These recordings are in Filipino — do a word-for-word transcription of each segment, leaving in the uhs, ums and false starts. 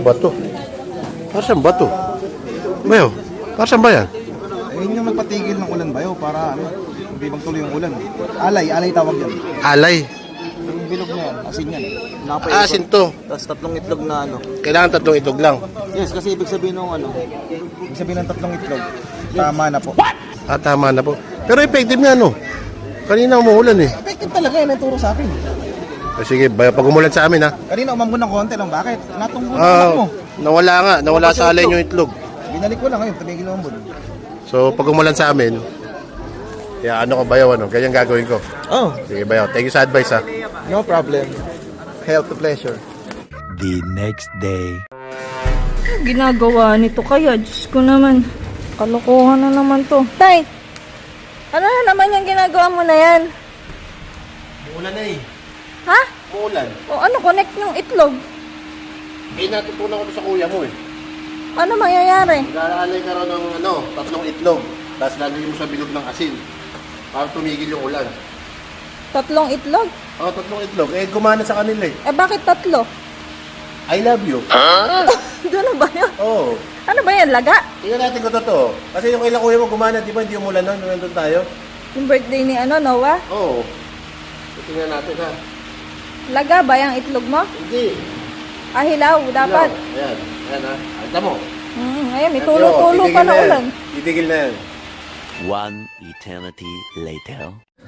Bato. Para saan bato? Bayo, para saan ba yan? Eh, yun yung magpatigil ng ulan bayo para ano, hindi magtuloy yung ulan. Alay, alay tawag yan. Alay. Yung bilog na yan, asin yan. Napaikot. Ah, asin to. Tapos tatlong itlog na ano. Kailangan tatlong itlog lang. Yes, kasi ibig sabihin ng ano, ibig sabihin ng tatlong itlog. Tama na po. Ah, tama na po. Pero effective nga, no? Kanina umuulan eh. Effective talaga yan, naturo sa akin. Eh, sige, bayo, pag umulan sa amin, ha? Kanina umambon ng konti lang, bakit? Natunggo na Ah, mo. nawala nga. Nawala sa alay yung itlog. Binalik ko lang ngayon, tumigil ng umambon. So, pag umulan sa amin, kaya ano ko, bayo, ano? Ganyan gagawin ko. Oh, Sige, bayo. Thank you sa advice, ha? no problem. Help to pleasure. The next day. Ano ginagawa nito kaya? Diyos ko naman. Kalokohan na naman to. Tay! Ano na naman yung ginagawa mo na yan? Umulan na eh. Ha? Umulan. O ano, connect yung itlog? Eh, natutunan ko to sa kuya mo eh. Ano mangyayari? Nag-aalay ka raw ng ano, tatlong itlog. Tapos lalagay mo sa bilog ng asin. Para tumigil yung ulan. Tatlong itlog? Oh, tatlong itlog. Eh, gumana sa kanila eh. Eh bakit tatlo? I love you. Doon na ba yun? Oo. Oh. Ano ba yan? Laga? Tingnan natin kung totoo. Kasi yung kailang kuya mo gumana, di ba? Hindi umulan nun. Nung nandun tayo. Yung birthday ni ano, Noah? Oo. Oh. Tingnan natin ha. Laga ba yung itlog mo? Hindi. Ah, hilaw, dapat. Hello. Ayan. Ayan ha. Alta mo. Hmm, ayan, may tulo-tulo pa na yan. ulan. Titigil na yan. One eternity later.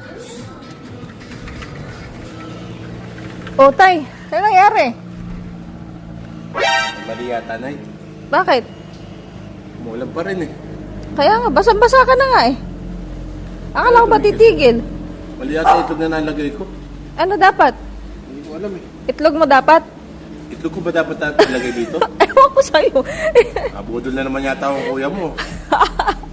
O, Tay, ano nangyari? Mali yata, Nay. Bakit? Umulan pa rin eh. Kaya nga, basang-basa ka na nga eh. Akala ko ba titigil? Mali yata itlog na nalagay ko. Ano dapat? Hindi ko alam eh. Itlog mo dapat? Itlog ko ba dapat natin ilagay dito? Ewan ko sa'yo. Abudol na naman yata ang kuya mo.